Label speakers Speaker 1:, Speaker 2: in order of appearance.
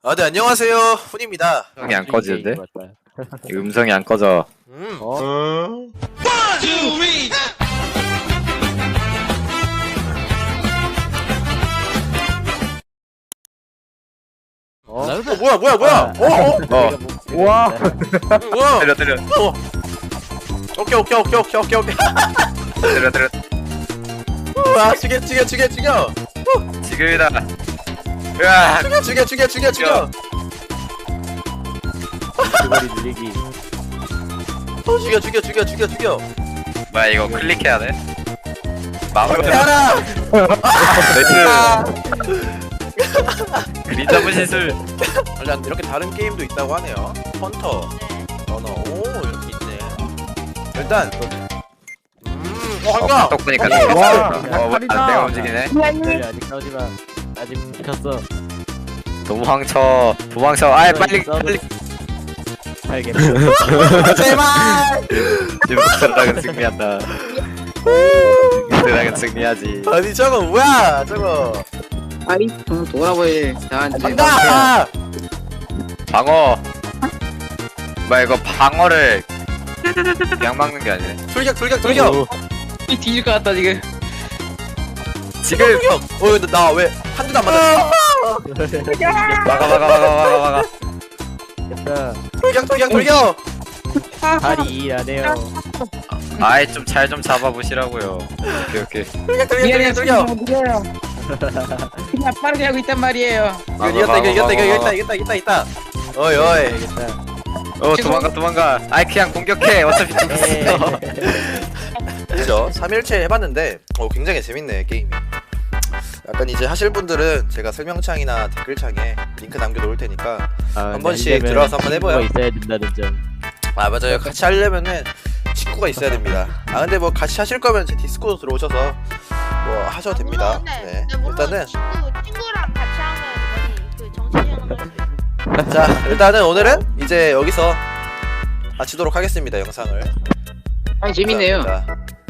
Speaker 1: 네, 안녕하세요. 훈입니다.
Speaker 2: 음성이 안 꺼지는데?
Speaker 3: 맞다.
Speaker 2: 이 음성이 안 꺼져.
Speaker 3: 어? 어?
Speaker 1: 뭐야?
Speaker 3: 우와.
Speaker 1: 뭐야?
Speaker 2: 때려.
Speaker 1: 오케이.
Speaker 2: 때려.
Speaker 1: 아, 죽여.
Speaker 2: 지금이다. 으아!
Speaker 1: 죽여.
Speaker 3: 그거리 늘리기.
Speaker 1: 죽여.
Speaker 2: 뭐야 이거 클릭해야 돼? 마음대로.
Speaker 1: 해라.
Speaker 2: 나이스. 그린 잡은 시술.
Speaker 1: 일단 이렇게 다른 게임도 있다고 하네요. 헌터, 러너. 오, 이렇게 있네. 일단 한가.
Speaker 2: 딱 보니까
Speaker 3: 와,
Speaker 2: 내가 움직이네.
Speaker 3: 기다려, 아직 싸우지 마. 아직 못 켰어.
Speaker 2: 도망쳐. 아이 빨리.
Speaker 3: 알겠어.
Speaker 1: 제발.
Speaker 2: 드라곤 승리한다. 드라곤 승리하지.
Speaker 1: 아니 저거 뭐야? 저거.
Speaker 4: 아이 돌아보이 나한테
Speaker 1: 간다.
Speaker 2: 방어. 뭐야 이거 방어를 그냥 막는 게 아니네.
Speaker 1: 돌격.
Speaker 4: 이 뒤질 것 같다 지금.
Speaker 2: 지금
Speaker 1: 나 왜 한 대도 안 맞았어?
Speaker 2: 막아.
Speaker 3: 됐다.
Speaker 1: 돌격.
Speaker 3: 다리 일하네요.
Speaker 2: 아이 좀 잘 좀 잡아보시라고요. 오케이.
Speaker 1: 돌격.
Speaker 4: 미안해요. 그냥 빠르게 하고 있단 말이에요.
Speaker 1: 이겼다. 어이.
Speaker 3: 알겠다.
Speaker 2: 도망가. 아이 그냥 공격해. 어차피
Speaker 3: 에이.
Speaker 2: 죽었어.
Speaker 1: 그죠? 3일째 해봤는데 굉장히 재밌네 게임이. 약간 이제 하실 분들은 제가 설명창이나 댓글창에 링크 남겨놓을 테니까 한 번씩 들어와서 한번 해봐요.
Speaker 3: 있어야 된다는 점.
Speaker 1: 맞아요. 같이 하려면은 친구가 있어야 됩니다. 근데 뭐 같이 하실 거면 제 디스코드 들어오셔서 뭐 하셔도 됩니다. 네. 일단은
Speaker 5: 친구랑 같이 하면 그 정신이 하는 거지.
Speaker 1: 자 일단은 오늘은 이제 여기서 마치도록 하겠습니다. 영상을.
Speaker 4: 아니 재밌네요.
Speaker 1: 감사합니다.